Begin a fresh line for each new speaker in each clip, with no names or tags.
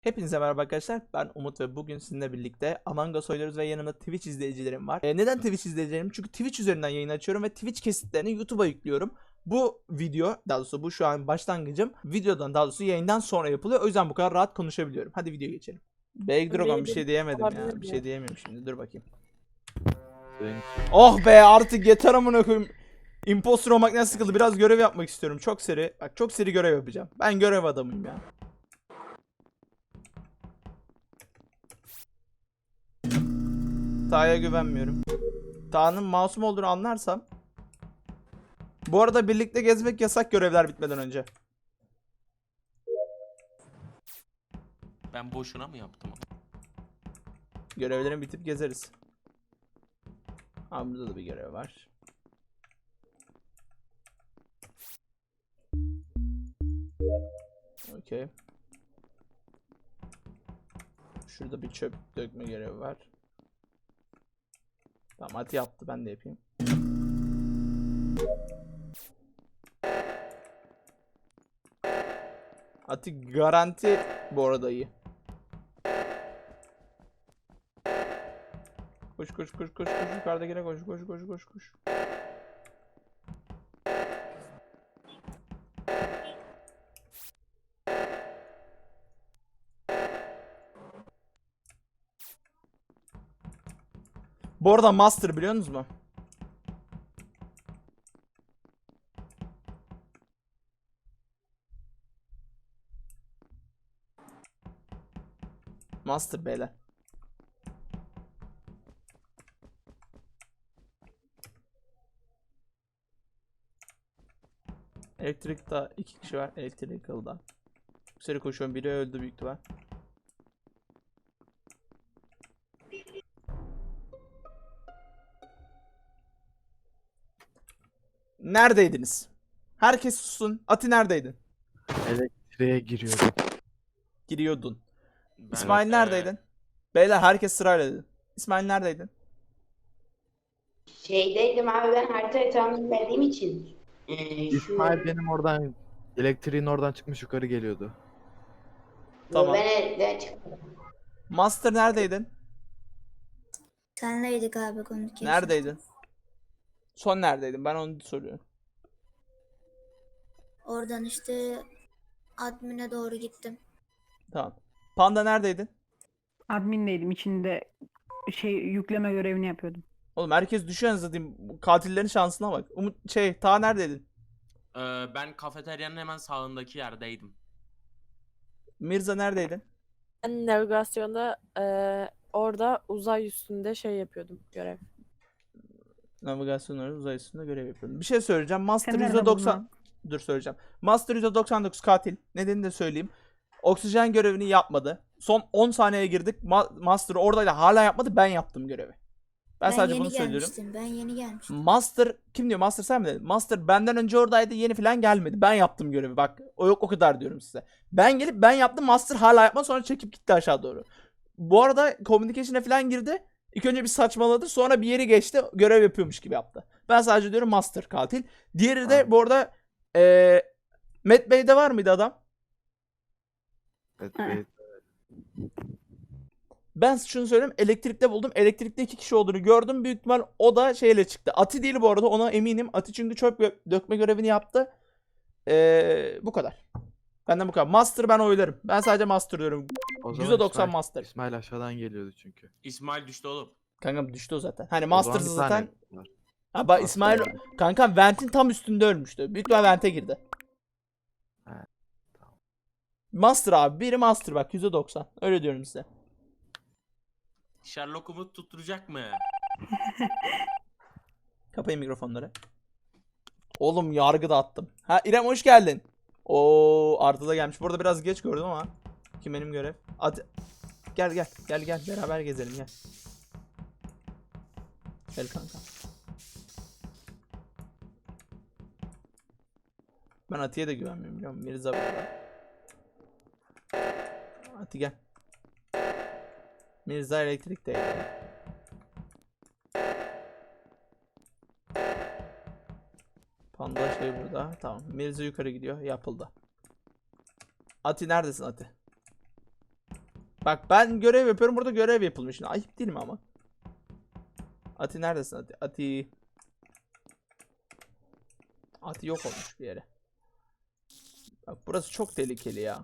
Hepinize merhaba arkadaşlar. Ben Umut ve bugün sizinle birlikte Among Us oynuyoruz ve yanımda Twitch izleyicilerim var. Neden Twitch izleyicilerim? Çünkü Twitch üzerinden yayın açıyorum ve Twitch kesitlerini YouTube'a yüklüyorum. Bu video, daha doğrusu bu şu an başlangıcım. Videodan, daha doğrusu yayından sonra yapılıyor. O yüzden bu kadar rahat konuşabiliyorum. Hadi videoya geçelim. Beydragon bir şey diyemedim ya. Bir şey diyemiyorum şimdi. Dur bakayım. Oh be, artık yeter amına koyayım. Imposter olmaktan sıkıldı. Biraz görev yapmak istiyorum. Çok seri. Bak, çok seri görev yapacağım. Ben görev adamıyım ya. Taha'ya güvenmiyorum. Taha'nın masum olduğunu anlarsam. Bu arada birlikte gezmek yasak görevler bitmeden önce.
Ben boşuna mı yaptım?
Görevlerin bitip gezeriz. Abi burada da bir görev var. Okey. Şurada bir çöp dökme görevi var. Tamam, Ati yaptı, ben de yapayım. Ati garanti bu arada iyi. Koş koş koş koş koş, yukarıdakine koş koş koş koş koş. Bu arada Master biliyor musunuz mu? Master beyler. Elektrikte 2 kişi var. Electrical'da. Bu seri koşuyorum. Biri öldü büyük ihtimal. Neredeydiniz? Herkes sussun. Ati neredeydin?
Elektriğe giriyordum.
Giriyordun.
Ben,
İsmail neredeydin? Beyler herkes sırayla dedi. İsmail neredeydin?
Şeydeydim abi, ben haritayı tam bilmediğim için.
İsmail benim oradan elektriğin oradan çıkmış yukarı geliyordu.
Tamam.
Ben evden çıktım.
Master neredeydin?
Senleydik abi konuşuyorsun.
Neredeydin? Son neredeydin? Ben onu soruyorum.
Oradan işte admin'e doğru gittim.
Tamam. Panda neredeydin?
Admin'deydim. İçinde yükleme görevini yapıyordum.
Oğlum herkes düşüyor zaten. Katillerin şansına bak. Ta neredeydin?
ben kafeteryanın hemen sağındaki yerdeydim.
Mirza neredeydin?
Ben navigasyonda orada uzay üstünde yapıyordum görev.
Navigasyon olarak uzay üstünde görev yapıyorum. Bir şey söyleyeceğim. Master
Sen nerede
%90...
buldun?
Dur söyleyeceğim. Master %99 katil. Nedenini de söyleyeyim. Oksijen görevini yapmadı. Son 10 saniyeye girdik. Master oradaydı, hala yapmadı. Ben yaptım görevi. Ben sadece
yeni
bunu söylüyorum.
gelmiştim. Ben yeni gelmiştim.
Master kim diyor? Master sen mi dedin? Master benden önce oradaydı. Yeni falan gelmedi. Ben yaptım görevi. Bak o yok, o kadar diyorum size. Ben gelip ben yaptım. Master hala yapmadı. Sonra çekip gitti aşağı doğru. Bu arada communication'e falan girdi. İlk önce bir saçmaladı. Sonra bir yeri geçti. Görev yapıyormuş gibi yaptı. Ben sadece diyorum Master katil. Diğeri de bu arada Matt Bey'de var mıydı adam?
Evet,
Ha.
evet.
Ben şunu söyleyeyim. Elektrikte buldum. Elektrikte 2 kişi olduğunu gördüm. Büyük ihtimal o da şeyle çıktı. Ati değil bu arada. Ona eminim. Ati çünkü çöp dökme görevini yaptı. Bu kadar. Benden bu kadar. Master ben oylarım. Ben sadece Master diyorum.
O zaman
%90 Master.
İsmail aşağıdan geliyordu çünkü.
İsmail düştü oğlum.
Kankam düştü o zaten. Hani
O
Master'sı
zaman bir tane
zaten.
var.
Ha bak,
Master
İsmail
yani.
kankam Vent'in tam üstünde ölmüştü. Büyük ihtimal Vent'e girdi.
Ha, tamam.
Master abi. Biri Master bak, %90. Öyle diyorum size.
Sherlock Umut tutturacak mı?
Kapayın mikrofonları. Oğlum yargı da attım. Ha İrem hoş geldin. Oo Arda da gelmiş. Burada biraz geç gördüm ama. Kim benim görev? Hadi. Gel gel. Gel gel. Beraber gezelim gel. Gel kanka. Ben Ati'ye de güvenmiyorum biliyor musun? Mirza burada. Ati gel. Mirza elektrikteydi. Panda şey burada. Tamam. Mirza yukarı gidiyor. Yapıldı. Ati neredesin Ati? Bak ben görev yapıyorum, burada görev yapılmış. Şimdi ayıp değil mi ama? Ati neredesin Ati? Ati yok olmuş bir yere. Bak burası çok tehlikeli ya.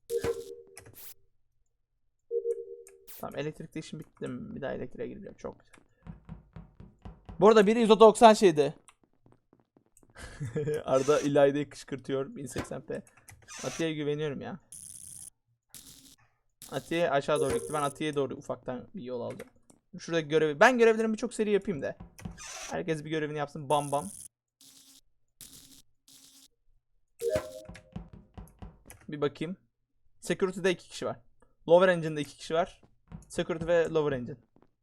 Tamam, elektrikte işim bitti mi? Bir daha elektriğe gireceğim. Çok güzel. Bu arada biri 190 şeydi. Arda İlayda'yı kışkırtıyor 1080p. Atiye'ye güveniyorum ya. Atiye aşağı doğru gitti. Ben Atiye'ye doğru ufaktan bir yol alacağım. Şuradaki görevi. Ben görevlerimi birçok seri yapayım da. Herkes bir görevini yapsın. Bam bam. Bir bakayım. Security'de 2 kişi var. Lower Engine'de 2 kişi var. Security ve Lower Engine.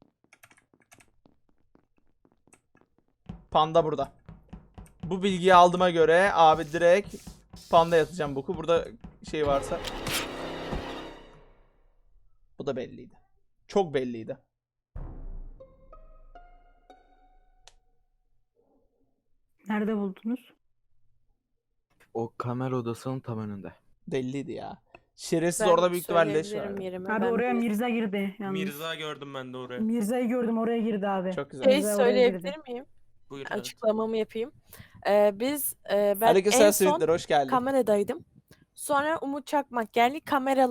Panda burada. Bu bilgiyi aldığıma göre abi direkt Panda yatacağım boku. Burada şey varsa. Bu da belliydi. Çok belliydi.
Nerede buldunuz?
O kamera odasının tam önünde.
Belliydi ya. Şerefsiz
Ben
orada büyük ihtimalle leş
söyleyebilirim
vardı.
yerimi.
Abi
Ben
oraya
bir-
Mirza girdi yalnız.
Mirza gördüm ben de oraya.
Mirza'yı gördüm, oraya girdi abi.
Çok güzel.
Şey
Mirza oraya
söyleyebilir
girdi.
miyim?
Buyur. Evet.
Açıklamamı yapayım. Ben
Aleykümselam
en son
Sivitler, hoş geldin.
kameradaydım. Sonra Umut Çakmak geldi.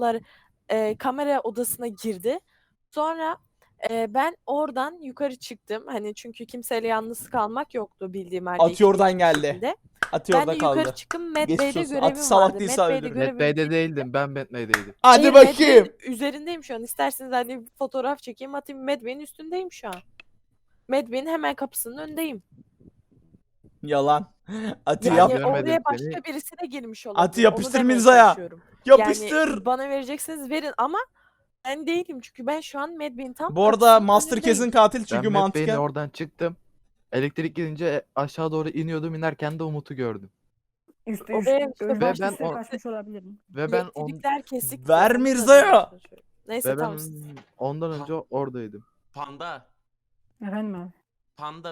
Kamera odasına girdi. Sonra ben oradan yukarı çıktım. Hani çünkü kimseyle yalnız kalmak yoktu bildiğim halde.
Ati oradan geldi.
ikisinde.
Ati
Ben
orada
de
kaldı.
yukarı çıktım. Matt
Geçmiş
Bey'de
olsun.
görevim
Ati salak
vardı.
değilse
Matt Bey'de
öldürürüm.
görevim
Matt Bey'de değildim. Ben Matt Bey'deydim.
Hadi
Hayır, Matt
bakayım.
Bey'in üzerindeyim şu an. İsterseniz hani bir fotoğraf çekeyim atayım. Matt Bey'in üstündeyim şu an. Matt Bey'in hemen kapısının önündeyim.
Yalan. Ati
Yani
yap.
Görmedim
oraya başka
seni.
birisi de girmiş olabilir.
Ati yapıştır
Onu demeye
Mirza'ya.
çalışıyorum.
Yapıştır.
Yani bana vereceksiniz verin ama ben değilim çünkü ben şu an Matt Bey'in tam
Bu arada
kapısının
Master
önündeyim.
kesin katil çünkü
Ben Matt Bey'in
mantıken.
oradan çıktım. Elektrik gidince aşağı doğru iniyordum. İnerken de Umut'u gördüm.
Üstü
Oraya işte
başta
ben
üstü
o-
kaçmış olabilirim.
Ve ben
Elektrikler kesik.
Ver
Onu da
Mirza'ya.
demeye çalışıyorum. Neyse
ve ben
tamam.
ondan önce oradaydım.
Panda.
Efendim abi.
Panda.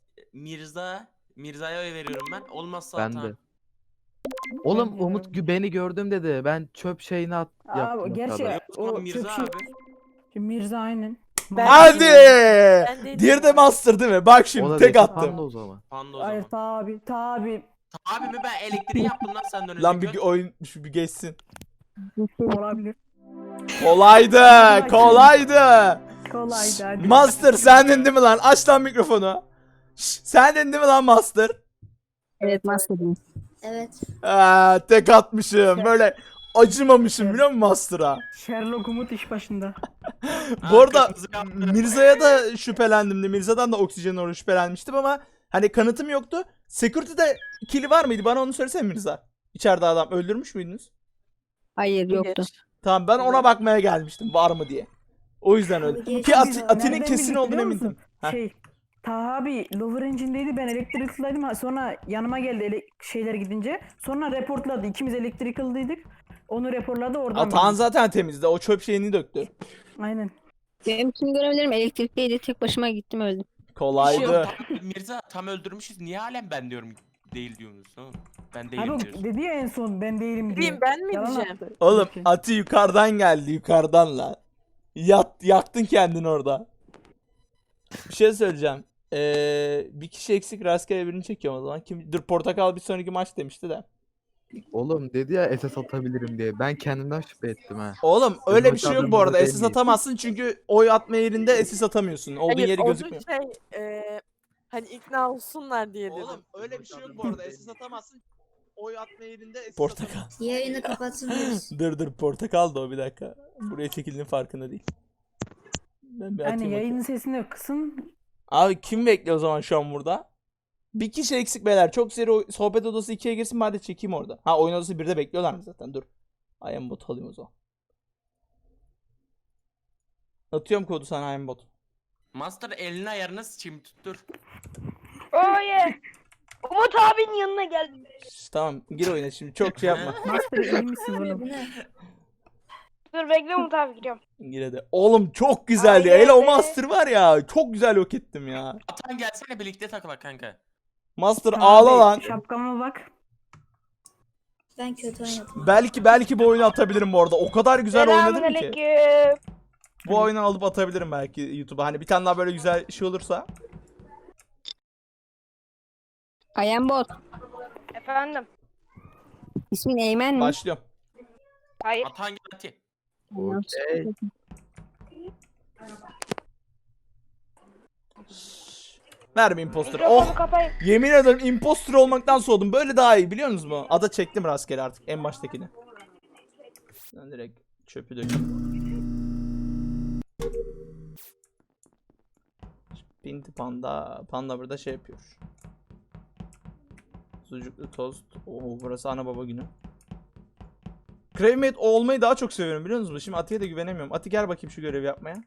Mirza'ya oy veriyorum ben. Olmazsa
Ben
Ata.
de. Oğlum
Ben de
Umut beni gördüm dedi. Ben çöp şeyini yaptım.
Abi gerçi
Yok, o zaman
o
Mirza
çöp şey.
abi.
Mirza aynen.
Ben-
Hadi.
Ben değilim
Diğeri de
abi.
Master değil mi? Bak
O
şimdi
da
tek
değil,
attım.
Panda o zaman.
Panda o
Hayır
zaman.
tabi.
Abi mi ben elektriği yaptım lan senden önce.
Lan bir oyun şu bir geçsin.
Olabilir.
Kolaydı. Kolaydı.
Kolaydı hadi.
Master sendin değil mi lan? Aç lan mikrofonu. Sendin değil mi lan Master?
Evet Master'ım. Evet.
Tek atmışım. Böyle acımamışım biliyor musun Master'a?
Sherlock Umut iş başında.
Bu arada
kırmızı yaptı.
Mirza'ya da şüphelendim de. Mirza'dan da oksijen orada şüphelenmiştim ama hani kanıtım yoktu. Security'de kili var mıydı? Bana onu söylesene Mirza. İçeride adam öldürmüş müydünüz?
Hayır yoktu.
Tamam ben ona bakmaya gelmiştim var mı diye. O yüzden öyle.
Abi
Ki
geçen
Ati'nin
Nereden
kesin
bildik
olduğunu
biliyor
emindim.
musun?
Heh.
Şey. Taha abi Lower Engine'deydi, ben Electrical'daydım. Sonra yanıma geldi şeyler gidince. Sonra reportladı. İkimiz Electrical'daydık. Onu reportladı oradan.
Atahan
bildik.
zaten temizdi. O çöp şeyini döktü.
Aynen.
Benim tüm görevlerim elektrikteydi. Tek başıma gittim öldüm.
Kolaydı.
Mirza tam öldürmüşüz. Niye halen ben diyorum değil diyorsunuz? Tamam. Ben
Abi
değilim
o
diyorsun.
dedi ya en son ben değilim diye.
Bileyim ben mi
Yalan
diyeceğim?
attı.
Oğlum
Peki.
Ati yukarıdan geldi yukarıdan lan. Yaktın kendini orada. Bir şey söyleyeceğim. Bir kişi eksik rastgele birini çekiyorum o zaman. Dur Portakal bir sonraki maç demişti de.
Oğlum dedi ya SS atabilirim diye. Ben kendimden şüphe ettim ha.
Oğlum öyle bir şey yok bu arada.
Değil
SS
miyiz?
atamazsın çünkü oy atma yerinde SS atamıyorsun. Olduğun
Hayır,
yeri
onun
gözükmüyor.
hani ikna olsunlar diye dedim.
Oğlum öyle bir şey yok bu arada. SS atamazsın. Oy atma yerinde SS
Portakal. Yayını kapatsın mıyız?
Dur Portakal da o bir dakika. Buraya çekildiğinin farkında değil. Ben bir atayım
Yani
bakayım.
yayının sesini kısın.
Abi kim bekliyor o zaman şu an burada? Bir kişi eksik beyler. Çok seri sohbet odası 2'ye girsin bari çekeyim orada. Ha oyun odası 1'de bekliyorlar mı zaten? Dur. IamBot alayım o zaman. Atıyorum kodu sana IamBot.
Master elini ayarına sıçayım tuttur.
Oye. Umut abinin yanına geldim.
Tamam gir oyuna şimdi çok şey yapma.
Master iyi misin oğlum?
Bu ne?
Dur bekle Umut abi giriyorum.
Gir hadi. Oğlum çok güzeldi.
Ay,
Hele o
be.
Master var ya. Çok güzel yok ettim ya.
Atan gelsene birlikte takılak kanka.
Master
Abi,
ağla lan.
Şapkama bak.
Ben kötü oynadım.
Belki bu oyunu atabilirim bu arada. O kadar güzel oynadım ki.
Selamünaleyküm.
Bu oyunu alıp atabilirim belki YouTube'a. Hani bir tane daha böyle güzel şey olursa.
I am bot.
Efendim.
İsmin Eymen mi?
Başlıyorum.
Hayır.
Atan gel Ati.
Okey.
Verme imposter.
Mikrofonu
Oh!
kapayın.
Yemin ederim imposter olmaktan soğudum. Böyle daha iyi biliyor musunuz mu? Ada çektim rastgele artık en baştakini. Ben direkt çöpü dökeyim. Pinti panda. Panda burada şey yapıyor. Sucuklu tost. Oo burası ana baba günü. Crewmate olmayı daha çok seviyorum biliyor musunuz? Şimdi Ati'ye de güvenemiyorum. Ati gel bakayım şu görevi yapmaya.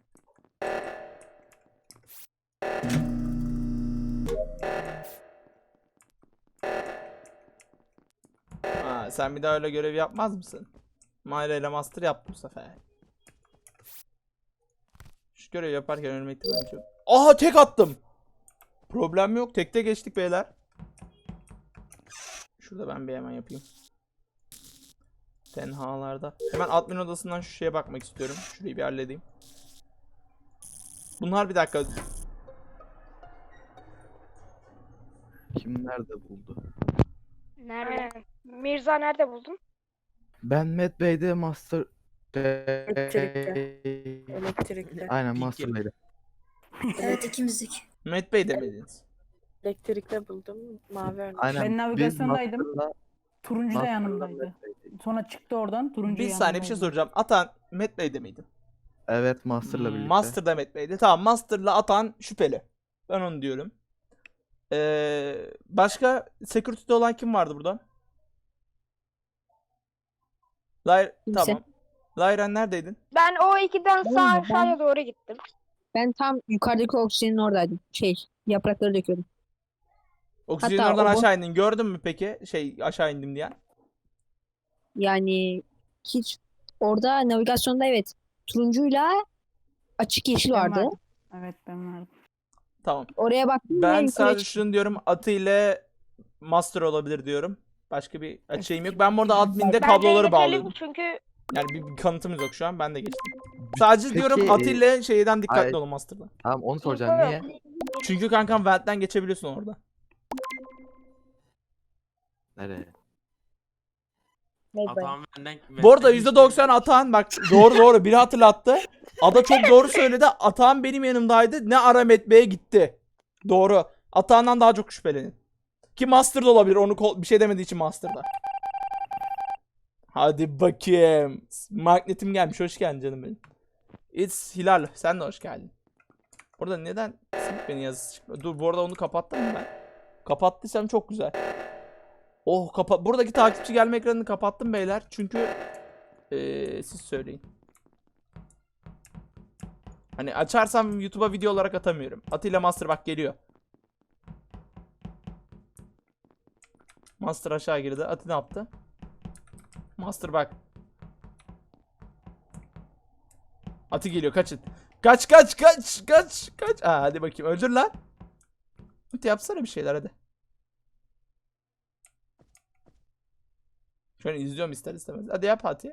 Ha, sen bir daha öyle görev yapmaz mısın? Mayra ile Master yaptım bu sefer. Şu görevi yaparken ölme ihtimali yok. Aha tek attım. Problem yok. Tekte geçtik beyler. Şurada ben bir hemen yapayım. Tenhalarda. Hemen admin odasından şu şeye bakmak istiyorum. Şurayı bir halledeyim. Bunlar bir dakika.
Kim nerede buldu?
Nerede? Mirza nerede buldun?
Ben Matt Bey'de Master
Elektrikte.
Aynen
Pink
Master
gibi.
Bey'de.
Evet ikimizdik.
Met Bey demediniz.
Elektrikte buldum. Mavi örnek.
Aynen.
Ben
biz
navigasyondaydım.
Master'la-
Turuncu da
Master'la
yanımdaydı.
Matt Bey'deydik.
Sonra çıktı oradan turuncu
Bir saniye bir şey soracağım. Atan Met Bey'de miydi?
Evet Master'la birlikte.
Master'da Met Bey'de. Tamam Master'la Atan şüpheli. Ben onu diyorum. Başka security'de olan kim vardı burada?
Kimse.
Tamam. Lyran neredeydin?
Ben o ikiden
Ben-
sağ aşağıya doğru gittim.
Ben tam yukarıdaki oksijenin oradaydım. Yaprakları döküyordum.
Oksijenin
Hatta
oradan
o bu-
aşağı indin. Gördün mü peki? Aşağı indim diyen.
Yani hiç orada navigasyonda evet turuncuyla açık yeşil
Ben
vardı.
vardım. Evet ben vardım.
Tamam.
Oraya baktım ve
Ben
yukarıya
sadece
çıktım.
şunu diyorum. Atı ile Master olabilir diyorum. Başka bir açığım yok. Ben burada adminde
Bence
kabloları
Enes
bağlıyordum.
Ali çünkü
Yani bir kanıtımız yok şu an. Ben de geçtim. Sadece
Peki,
diyorum Atı ile şeyden dikkatli
ay-
olun Master'da.
Tamam onu soracağım.
info
Niye?
yok.
Çünkü kankam Vent'ten geçebiliyorsun orada.
Nereye?
Bye bye.
Atan benden.
Bu arada %90 Atan bak doğru biri hatırlattı. Ada çok doğru söyledi. Atan benim yanımdaydı. Ne ara Met Bey'e gitti. Doğru. Atan'dan daha çok şüphelenin. Ki Master'da olabilir. Onu bir şey demediği için Master'da. Hadi bakayım. Magnetim gelmiş. Hoş geldin canım benim. It's Hilal. Sen de hoş geldin. Burada neden silip beni yazısı çıkmıyor? Dur bu arada onu kapattım mı ben? Kapattıysam çok güzel. Oh buradaki takipçi gelme ekranını kapattım beyler. Çünkü siz söyleyin. Hani açarsam YouTube'a video olarak atamıyorum. Atilla Master bak geliyor. Master aşağı girdi. Ati ne yaptı? Master bak. Ati geliyor kaçın. Kaç. Aa, hadi bakayım öldür lan. Ati yapsana bir şeyler hadi. Şu an izliyorum ister istemez. Hadi yap Ati.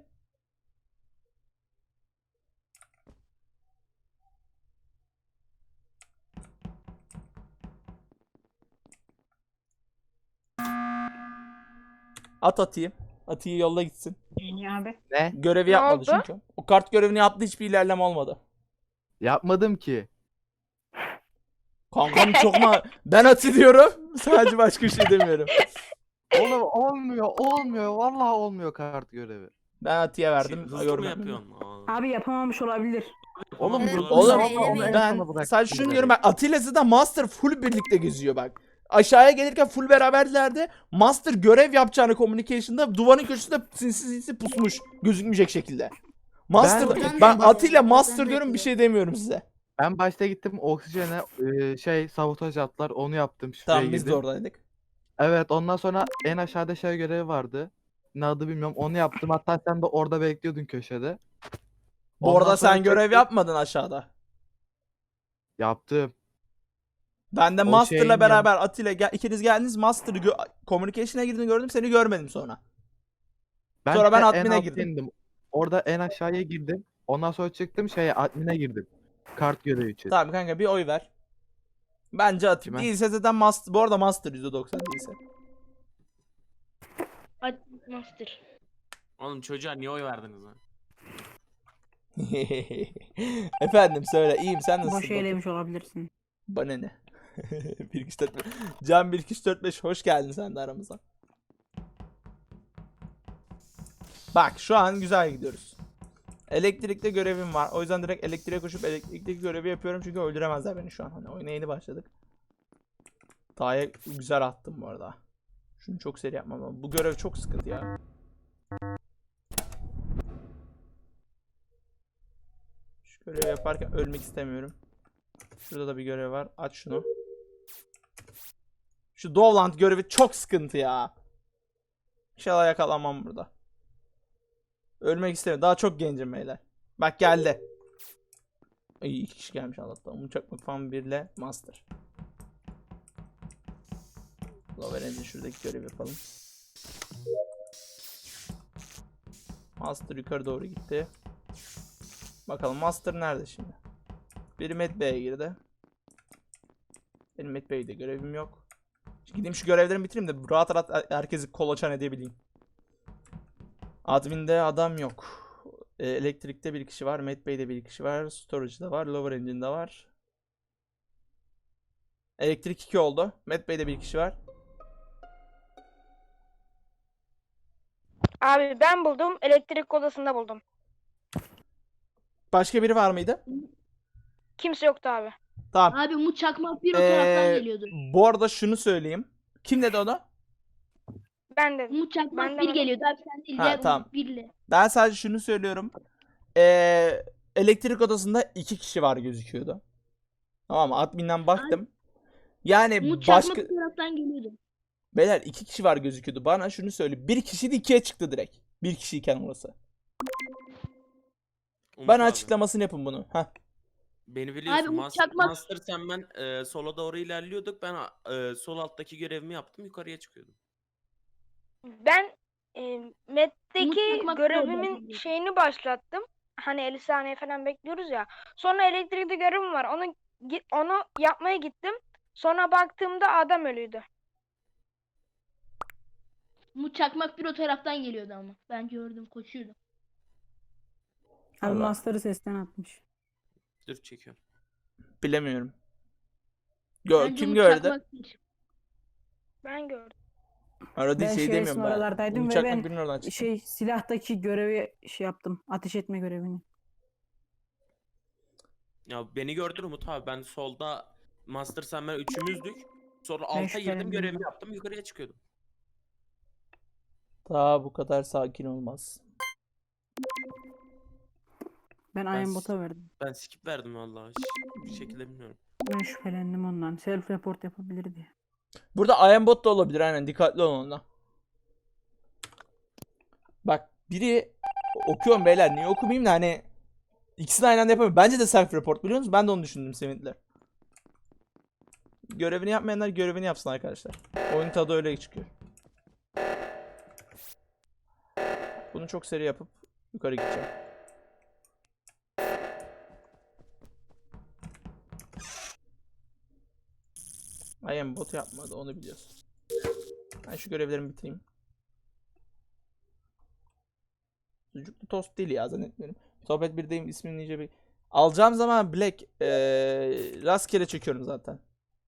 At Ati'yi. Ati'yi yolla gitsin.
İyi abi.
Ne?
Görevi
Ne
yapmadı
oldu?
çünkü. O kart görevini yaptı hiçbir ilerleme olmadı.
Yapmadım ki.
Kankam çok ben Ati diyorum. Sadece başka bir şey demiyorum.
Oğlum olmuyor. Vallahi olmuyor kart görevi.
Ben Ati'ye verdim.
Hızlı mı
Yorum
yapıyorsun?
Abi yapamamış olabilir.
Oğlum
Evet,
dur.
Oğlum
eylemeyin.
ben sadece şunu diyorum. Bak Atilla'sı da Master full birlikte geziyor bak. Aşağıya gelirken full beraberlerdi. Master görev yapacağını communication'da duvarın köşesinde sinsi pusmuş. Gözükmeyecek şekilde. Master
Ben-
ben
Ben-
Atilla
Ben-
Master
Ben-
diyorum bir şey demiyorum size.
Ben başta gittim oksijene sabotaj attılar onu yaptım şuraya
Tamam biz de
girdim.
oradaydık.
Evet ondan sonra en aşağıda şey görevi vardı. Ne adı bilmiyorum onu yaptım hatta sen de orada bekliyordun köşede.
Bu
Ondan
arada
sonra
sen görev
çektim,
yapmadın aşağıda.
Yaptım.
Ben de
O
Master'la
şeyin
beraber Atilla ikiniz geldiniz Master'ı communication'a girdiğini gördüm seni görmedim sonra. Sonra ben
en
admin'e
alta
girdim.
indim. Orada en aşağıya girdim. Ondan sonra çıktım admin'e girdim. Kart görevi için.
Tamam kanka bir oy ver. Bence atayım.
Kime?
Değilse zaten Master. Bu arada Master %90 değilse.
Master.
Oğlum çocuğa niye oy verdiniz lan?
Efendim söyle. İyiyim sen nasılsın?
Boş eylemiş olabilirsin.
Bana ne? 1 2 4 5. Can 1 2 4 5 hoş geldin sen de aramıza. Bak şu an güzel gidiyoruz. Elektrikte görevim var. O yüzden direkt elektriğe koşup elektrikteki görevi yapıyorum çünkü öldüremezler beni şu an. Hani oyuna yeni başladık. Daha güzel attım bu arada. Şunu çok seri yapmam lazım. Bu görev çok sıkıntı ya. Şu görevi yaparken ölmek istemiyorum. Şurada da bir görev var. Aç şunu. Şu Dovland görevi çok sıkıntı ya. İnşallah yakalanmam burada. Ölmek istemiyorum. Daha çok gencim beyler. Bak geldi. İyi 2 kişi gelmiş Allah'tan. Umut Çakmak falan 1 ile Master. Lower Engine şuradaki görevi yapalım. Master yukarı doğru gitti. Bakalım Master nerede şimdi? Biri Med Bey'e girdi. Benim Med Bey'de görevim yok. Şimdi gideyim şu görevlerimi bitireyim de rahat rahat herkesi kolaçan edebileyim. Admin'de adam yok. Elektrikte bir kişi var. Med Bey'de bir kişi var. Storage'da var. Lower Engine'de var. Elektrik 2 oldu. Med Bey'de bir kişi var.
Abi ben buldum. Elektrik odasında buldum.
Başka biri var mıydı?
Kimse yoktu abi.
Tamam.
Abi Umut Çakmak bir o taraftan geliyordu.
Bu arada şunu söyleyeyim. Kim dedi onu?
Ben de.
Umut Çakmak
Ben de
bir
bak-
geliyordu abi sen değil.
Ha,
Diğer
tamam.
Umut birle.
Ben sadece şunu söylüyorum. Elektrik odasında 2 kişi var gözüküyordu. Tamam mı? Admin'den baktım. Yani
Umut
başka...
Çakmak bir taraftan geliyordu.
Beyler 2 kişi var gözüküyordu. Bana şunu söyle. Bir kişi de 2'ye çıktı direkt. Bir kişiyken orası.
Umut
Bana
abi,
açıklamasını yapın bunu. Heh.
Beni biliyorsun.
Abi Umut
Master,
Çakmak-
Master sen ben sola doğru ilerliyorduk. Ben sol alttaki görevimi yaptım. Yukarıya çıkıyordum.
Ben Med'deki
Umut Çakmak
görevimin
orada.
şeyini başlattım. Hani 50 saniye falan bekliyoruz ya. Sonra elektrikte görevim var. Onu yapmaya gittim. Sonra baktığımda adam ölüydü.
Umut Çakmak bir o taraftan geliyordu ama. Ben gördüm koşuyordu.
Abi
Allah.
Master'ı sesten atmış.
Dur çekiyorum.
Bilemiyorum.
Bence
Kim
Umut
gördü?
Çakmak değil.
Ben gördüm.
Arada
Ben
şey
şerefsin
demiyorum ben.
oralardaydım
Umut
ve
Çakmak
ben
birinin oradan çıktı.
silahtaki görevi yaptım. Ateş etme görevini.
Ya beni gördün Umut abi. Ben solda Master sen ben üçümüzdük. Sonra alta girdim
şüphelendim
görevimi
ya.
yaptım. Yukarıya çıkıyordum.
Daha bu kadar sakin olmaz.
Ben
Ben
Iron Bot'a verdim.
Ben skip verdim vallahi. Hiç bir şekilde bilmiyorum.
Ben şüphelendim ondan. Self report yapabilirdi.
Burada Ironbot da olabilir aynen. Dikkatli olun ona. Bak biri okuyorum beyler. Niye okumayayım da hani ikisini aynı anda yapamıyorum. Bence de self report biliyor musunuz? Ben de onu düşündüm Sevinçler. Görevini yapmayanlar görevini yapsın arkadaşlar. Oyun tadı öyle çıkıyor. Bunu çok seri yapıp yukarı gideceğim. Bot yapmadı onu biliyorsun. Ben şu görevlerimi bitireyim. Sucuklu tost değil ya zannetmiyorum. Sohbet 1'deyim ismini iyice bir... Alacağım zaman Black rastgele çekiyorum zaten.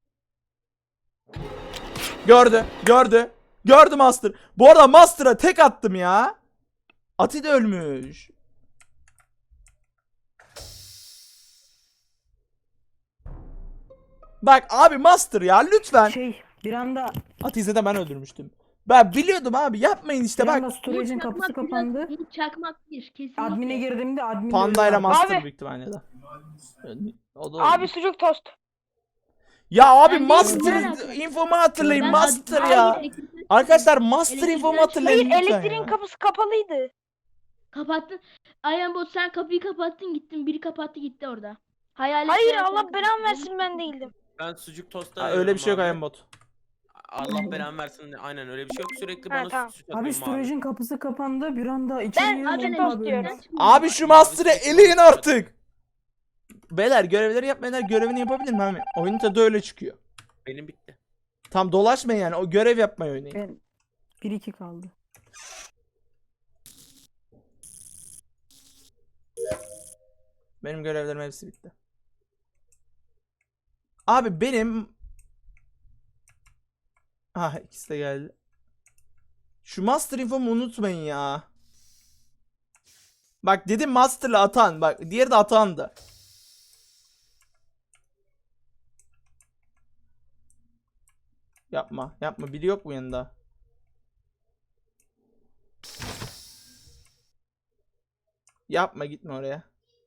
Gördü Master. Bu arada Master'a tek attım ya. Ati de ölmüş. Bak abi Master ya lütfen.
Bir anda
Ati'yi de ben öldürmüştüm. Ben biliyordum abi yapmayın işte
bir
bak.
anda storage'in kapısı kapandı.
Umut Çakmak bir kesinlikle.
Admin'e girdiğimde admin
Panda ile Master
Abi.
büyük ihtimalle de. O da
Abi
olabilir.
sucuk tost.
Ya abi
Ben
Master
değilim,
infomu hatırlayın
Ben
Master
admin-
ya.
Hayır,
Arkadaşlar Master
Elektrikten
infomu
çık-
hatırlayın
Hayır
lütfen
elektriğin
ya.
kapısı kapalıydı.
Kapattın. Iron Bot sen kapıyı kapattın gittin. Biri kapattı gitti orada. Hayalet
Hayır
veya sen
Allah belamı
kapattın.
versin ben değildim.
Ben sucuk tosta
Ha, öyle bir şey yok
abi.
Ayembot.
Allah belamı versin. Aynen öyle bir şey yok. Sürekli bana
tamam.
süt
Abi
atıyor mavi.
storage'in kapısı kapandı. Bir anda içeri
Açık
girdim
tost
abi.
diyorum.
Abi şu Master'ı eleyin artık. Beyler görevleri yapmayanlar görevini yapabilir mi abi? Oyunun tadı öyle çıkıyor.
Benim bitti.
Tam dolaşmayın yani. O görev yapmayı oynayın.
Ben 1-2 kaldı.
Benim görevlerim hepsi bitti. Abi benim... Ah ikisi de geldi. Şu Master infomu unutmayın ya. Bak dedim Master'la Atan. Bak diğeri de Atan'dı. Yapma. Yapma. Biri yok mu yanında? Yapma gitme oraya.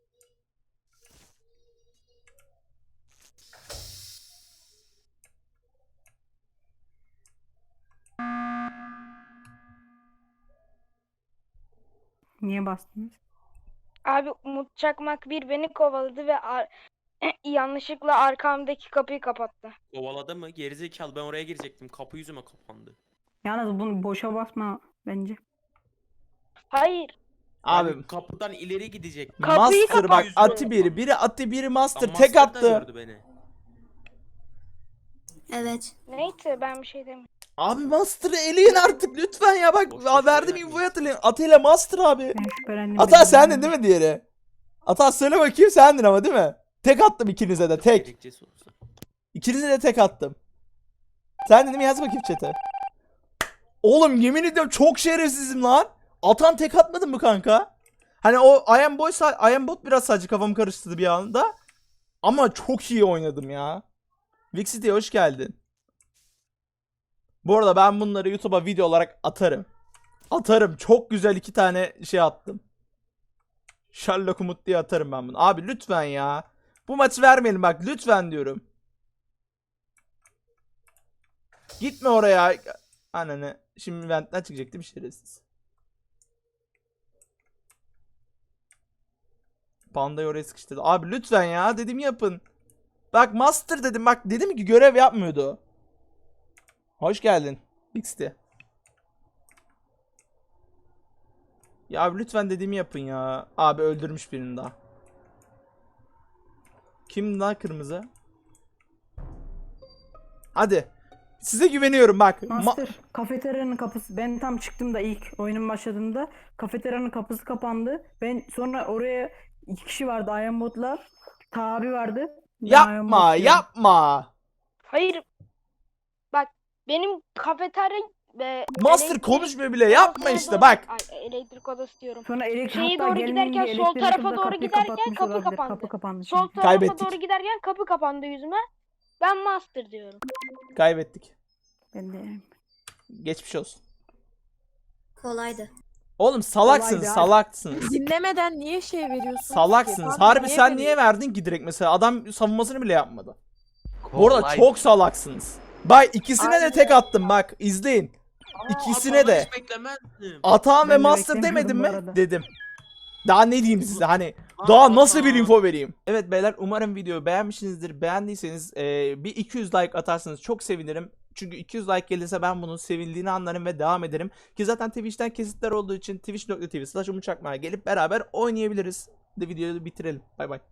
Niye bastınız?
Abi Umut Çakmak bir beni kovaladı ve yanlışlıkla arkamdaki kapıyı kapattı.
Kovaladı mı? Gerizekalı, ben oraya girecektim. Kapı yüzüme kapandı.
Yalnız bunu boşa basma bence.
Hayır.
Abi
Ben kapıdan ileri gidecektim.
Kapıyı
Master bak
kapat.
Ati biri. Biri Ati biri Master.
Lan
Tek
Master da
attı.
gördü beni.
Evet.
Neyse ben bir şey demiyorum.
Abi Master'ı eleyin artık lütfen ya bak
Boş boş
verdim
oynatmayın.
infoyu hatırlayın. Ati ile Master abi.
Ben şüphelendim.
Ata sendin değil mi diğeri? Ata söyle bakayım sendin ama değil mi? Tek attım ikinize de tek.
Gerekçesi olsa.
İkinize de tek attım. Sen dedim yaz bakayım chat'e. Oğlum yemin ediyorum çok şerefsizim lan. Atan tek atmadın mı kanka? Hani o I am bot biraz sadece kafamı karıştırdı bir anda. Ama çok iyi oynadım ya. Vixity'ye hoş geldin. Bu arada ben bunları YouTube'a video olarak atarım. Atarım. Çok güzel 2 tane şey attım. Sherlock Umut diye atarım ben bunu. Abi lütfen ya. Bu maçı vermeyelim bak lütfen diyorum. Gitme oraya. Ananı. Şimdi ventten çıkacak değil mi şerefsiz? Panda'yı oraya sıkıştırdı. Abi lütfen ya dedim yapın. Bak Master dedim bak dedim ki görev yapmıyordu. Hoş geldin. XT. Ya abi lütfen dediğimi yapın ya. Abi öldürmüş birini daha. Kim daha kırmızı? Hadi. Size güveniyorum bak.
Master kafeteryanın kapısı, ben tam çıktım da ilk oyunun başladığında kafeteryanın kapısı kapandı. Ben sonra oraya 2 kişi vardı, Ayambotlar. Tabi vardı. Ben
Yapma
Ayambot diyorum.
yapma.
Hayır. Bak benim kafeterya
Master
elektrik
konuşmuyor bile yapma
odasına
işte
doğru-
bak.
Ay, elektrik odası diyorum.
Sonra
Şeye
hatta
doğru
gelmeyince
giderken sol
elektrik
tarafa
hızla
doğru
kapıyı
giderken
kapatmış
kapı
olabilir.
kapandı.
Kapı kapandı
Sol
çünkü.
tarafa
Kaybettik.
doğru giderken kapı kapandı yüzüme. Ben Master diyorum.
Kaybettik.
Ben de
Geçmiş olsun.
Kolaydı.
Oğlum salaksınız
Kolaydı abi.
salaksınız.
Dinlemeden niye şey veriyorsunuz ki?
Salaksınız.
Pardon,
Harbi sen
veriyorsun?
niye verdin ki direkt mesela? Adam savunmasını bile yapmadı. Bu arada çok salaksınız. Bak ikisine de tek attım bak izleyin. İkisine de.
Hiç beklemezdim.
Atan ve
Ben de
Master
beklemiyordum
demedim
bu
mi?
arada.
Dedim. Daha ne diyeyim size hani
Aa,
daha nasıl bir
Atan.
info vereyim? Evet beyler umarım videoyu beğenmişsinizdir. Beğendiyseniz bir 200 like atarsanız çok sevinirim. Çünkü 200 like gelirse ben bunun sevildiğini anlarım ve devam ederim. Ki zaten Twitch'ten kesitler olduğu için twitch.tv/umutçakmak'a gelip beraber oynayabiliriz. De videoyu bitirelim. Bay bay.